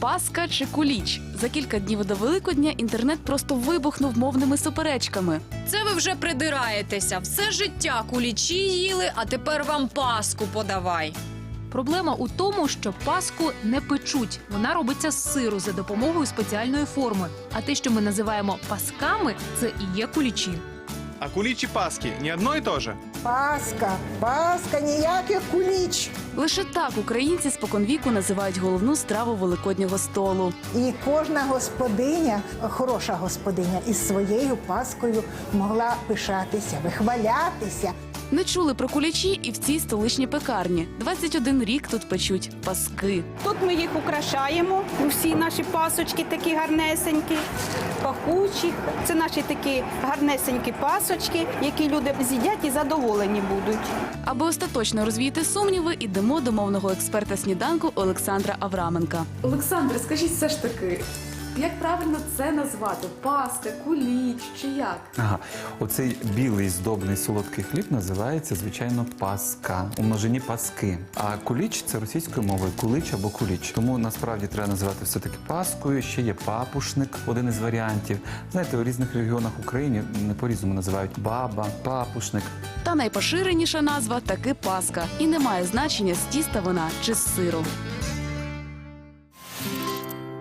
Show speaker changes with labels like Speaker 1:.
Speaker 1: Пасха чи куліч? За кілька днів до Великодня інтернет просто вибухнув мовними суперечками.
Speaker 2: Це ви вже придираєтеся. Все життя кулічі їли, а тепер вам паску подавай.
Speaker 3: Проблема у тому, що паску не печуть. Вона робиться з сиру за допомогою спеціальної форми. А те, що ми називаємо пасками, це і є кулічі.
Speaker 4: А куличи Пасхи не одно и то же?
Speaker 5: Паска, ніяких куліч.
Speaker 1: Лише так українці споконвіку називають головну страву великоднього столу.
Speaker 5: І кожна господиня, хороша господиня, із своєю паскою могла пишатися, вихвалятися.
Speaker 1: Не чули про кулічі і в цій столичній пекарні. 21 рік тут печуть паски.
Speaker 6: Тут ми їх украшаємо. Усі наші пасочки такі гарнесенькі, пахучі. Це наші такі гарнесенькі пасочки, які люди з'їдять і задоволені будуть.
Speaker 1: Аби остаточно розвіяти сумніви, ідемо до мовного експерта сніданку Олександра Авраменка.
Speaker 7: Олександре, скажіть все ж таки, як правильно це назвати? Паска, куліч чи як?
Speaker 8: Ага, оцей білий здобний солодкий хліб називається, звичайно, паска, у множині паски. А куліч – це російською мовою кулич або куліч. Тому насправді треба називати все-таки паскою. Ще є папушник, один із варіантів. Знаєте, у різних регіонах України не по-різному називають баба, папушник.
Speaker 1: Та найпоширеніша назва таки паска. І не має значення, з тіста вона чи з сиру.